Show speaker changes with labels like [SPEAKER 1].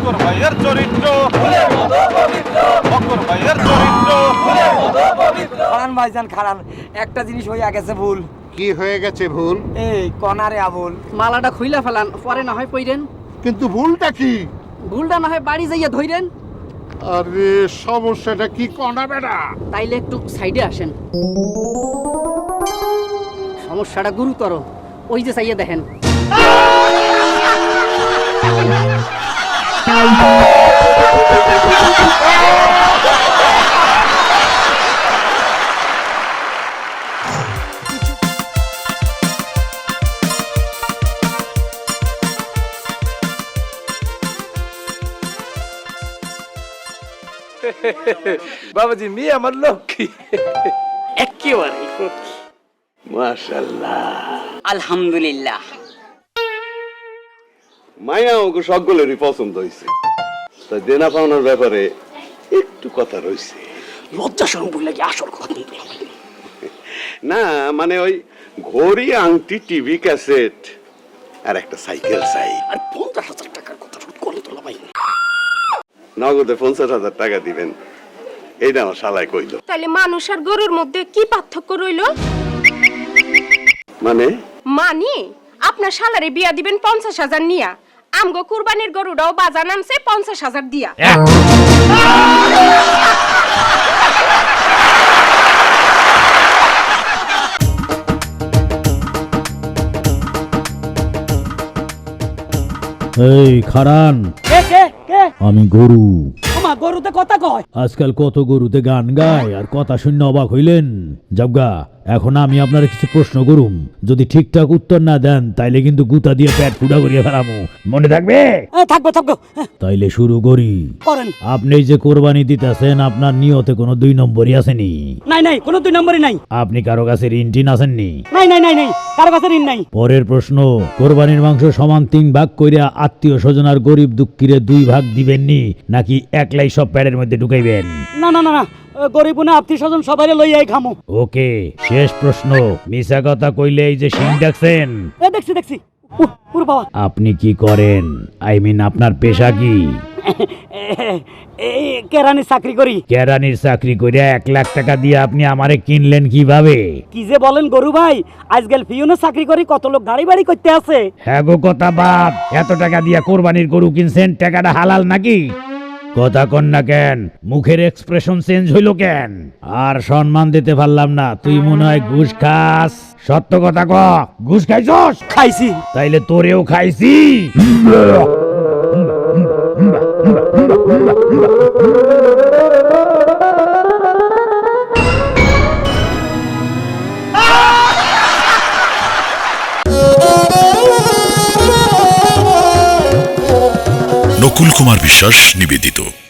[SPEAKER 1] বকর ভাইয়ের চরিত্র ফুলের মতো পবিত্র, বকর ভাইয়ের চরিত্র ফুলের মতো পবিত্র।
[SPEAKER 2] খারান ভাইজান খারান, একটা জিনিস হইয়া গেছে ভুল।
[SPEAKER 3] কি হয়ে গেছে ভুল?
[SPEAKER 2] এই কনারে আবুল,
[SPEAKER 4] মালাটা খুইলা ফেলান, পরে না হয় পইরেন।
[SPEAKER 3] কিন্তু ভুলটা কি?
[SPEAKER 4] ভুলটা না হয় বাড়ি যাইয়া ধইরেন।
[SPEAKER 3] আরে সমস্যাটা কি কনা বেটা?
[SPEAKER 4] তাইলে একটু সাইডে আসেন, সমস্যাটা গুরুতর। ওই যে চাইয়া দেখেন।
[SPEAKER 1] বাবাজি মেয়ে আমার লক্ষ্মী।
[SPEAKER 4] একেবারে
[SPEAKER 5] মাশাআল্লাহ,
[SPEAKER 4] আলহামদুলিল্লাহ।
[SPEAKER 5] মায়া ওকে সকলেরই পছন্দ হয়েছে, তাই দেনা পাওনার ব্যাপারে একটু কথা রয়েছে।
[SPEAKER 4] লজ্জা শরম বললে কি আসল কথা কিন্তু
[SPEAKER 5] না মানে ওই ঘড়ি, আংটি, টিভি, ক্যাসেট আর একটা সাইকেল চাই।
[SPEAKER 4] আর 50,000 টাকার কথা শুট করে তোলা ভাই।
[SPEAKER 5] নগদে 50,000 টাকা দিবেন, এইটা আমার শালায় কইল।
[SPEAKER 6] তাহলে মানুষ আর গরুর মধ্যে কি পার্থক্য রইল?
[SPEAKER 5] মানে
[SPEAKER 6] মানে আপনার শালারে বিয়া দিবেন 50,000 নিয়া, আমগো কুরবানির গরুটাও বাজার নামছে 50,000 দিয়া।
[SPEAKER 7] এই খারান,
[SPEAKER 2] কে কে কে?
[SPEAKER 7] আমি গরু।
[SPEAKER 2] আমা গরুতে কথা কয়।
[SPEAKER 7] আজকাল কত গরুতে গান গায় আর কথা শূন্য অবাক হইলেন। যাবগা, এখন আমি আপনার কিছু প্রশ্ন করুম, যদি ঠিকঠাক উত্তর না দেন তাইলে কিন্তু গুতা দিয়ে পেট ফুটা করিয়া ফেলামু, মনে থাকবে?
[SPEAKER 2] থাকবো থাকবো।
[SPEAKER 7] তাইলে শুরু করি।
[SPEAKER 2] করেন।
[SPEAKER 7] আপনি যে কোরবানি দিতেছেন, আপনার নিয়তে কোনো 2 নম্বরই আসেনি?
[SPEAKER 2] নাই নাই, কোনো 2 নম্বরই নাই।
[SPEAKER 7] আপনি কারো কাছে ঋণ টিন আসেননি?
[SPEAKER 2] নাই নাই নাই নাই, কারো কাছে ঋণ নাই।
[SPEAKER 7] পরের প্রশ্ন, কোরবানির মাংস সমান 3 ভাগ কইরা আত্মীয় স্বজন আর গরিব দুঃখীরে 2 ভাগ দিবেননি, নাকি একলাই সব প্যাডের মধ্যে ঢুকাইবেন?
[SPEAKER 2] না না না না, গরিব না আত্মীয় স্বজন সবাই লইয়াই খামো।
[SPEAKER 7] ওকে, শেষ প্রশ্ন, মিছা কথা কইলে এই যে সিং ডাকছেন।
[SPEAKER 2] দেখছি দেখছি। পুরো বাবা।
[SPEAKER 7] আপনি কি করেন? আই মিন আপনার পেশা কি?
[SPEAKER 2] এই কেরানি চাকরি করি।
[SPEAKER 7] কেরানির চাকরি করে 1 লাখ টাকা দিয়ে আপনি আমারে কিনলেন কিভাবে?
[SPEAKER 2] কি যে বলেন গরু ভাই, আজকাল পিয়নের চাকরি করি, কত লোক গাড়ি বাড়ি করতে আছে।
[SPEAKER 7] হ্যাঁ গো, কথা বাদ। এত টাকা দিয়ে কোরবানির গরু কিনছেন, টাকাটা হালাল নাকি? কথা কন না কেন? মুখের এক্সপ্রেশন চেঞ্জ হইল কেন? আর সম্মান দিতে পারলাম না, তুই মনে হয় ঘুষ খাস। সত্য কথা ক, ঘুষ খাইছস?
[SPEAKER 2] খাইছি।
[SPEAKER 7] তাইলে তোরেও খাইছি।
[SPEAKER 8] নকুল কুমার বিশ্বাস নিবেদিত।